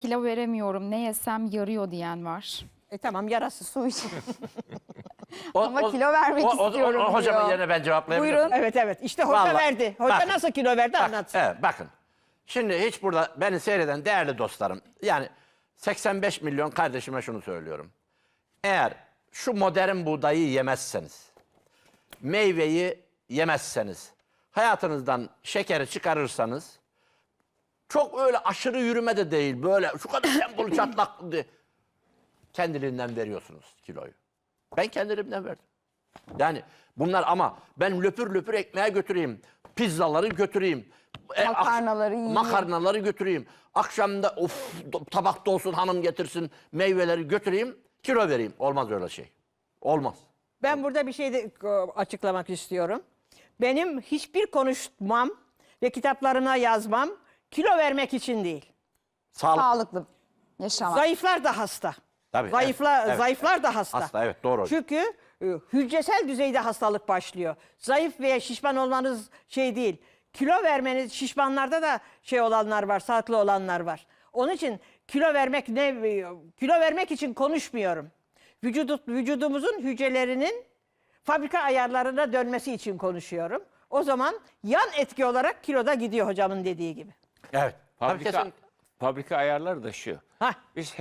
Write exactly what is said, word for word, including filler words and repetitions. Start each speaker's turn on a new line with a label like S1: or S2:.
S1: Kilo veremiyorum, ne yesem yarıyor diyen var.
S2: E tamam, yarası su için.
S3: O,
S1: Ama
S3: o-
S1: kilo vermek
S3: o, o,
S1: istiyorum
S3: o, o, hocamın
S1: diyor.
S3: yerine ben cevaplayabilirim.
S1: Buyurun.
S2: Evet evet, işte hoca
S3: Vallahi-
S2: verdi. Hoca
S3: Bakın.
S2: nasıl kilo verdi
S3: Bak,
S2: anlatsın.
S3: evet, bakın. Şimdi hiç burada beni seyreden değerli dostlarım, yani seksen beş milyon kardeşime şunu söylüyorum. Eğer şu modern buğdayı yemezseniz, meyveyi yemezseniz, hayatınızdan şekeri çıkarırsanız, çok öyle aşırı yürüme de değil, böyle şu kadar tempolu çatlak diye, kendiliğinden veriyorsunuz kiloyu. Ben kendiliğimden verdim. Yani bunlar, ama ben löpür löpür ekmeğe götüreyim, pizzaları götüreyim, e, ak-
S1: Makarnaları yiyeyim.
S3: makarnaları götüreyim, akşamda of tabakta olsun hanım getirsin, meyveleri götüreyim, kilo vereyim. Olmaz öyle şey. Olmaz.
S2: Ben burada bir şey de e, açıklamak istiyorum. Benim hiçbir konuşmam ve kitaplarına yazmam kilo vermek için değil.
S3: Sağlık.
S1: Sağlıklı yaşamak.
S2: Zayıflar da hasta.
S3: Tabii,
S2: Zayıflar,
S3: evet, evet,
S2: zayıflar da hasta.
S3: Hasta, evet, doğru.
S2: Çünkü e, hücresel düzeyde hastalık başlıyor. Zayıf veya şişman olmanız şey değil. Kilo vermeniz, şişmanlarda da şey olanlar var, sağlıklı olanlar var. Onun için kilo vermek ne kilo vermek için konuşmuyorum. Vücudu, vücudumuzun hücrelerinin fabrika ayarlarına dönmesi için konuşuyorum. O zaman yan etki olarak kiloda gidiyor hocamın dediği gibi.
S3: Evet. Tabii
S4: Fabrika,
S3: kesinlikle.
S4: fabrika ayarları da şu.
S2: Hah.
S4: Biz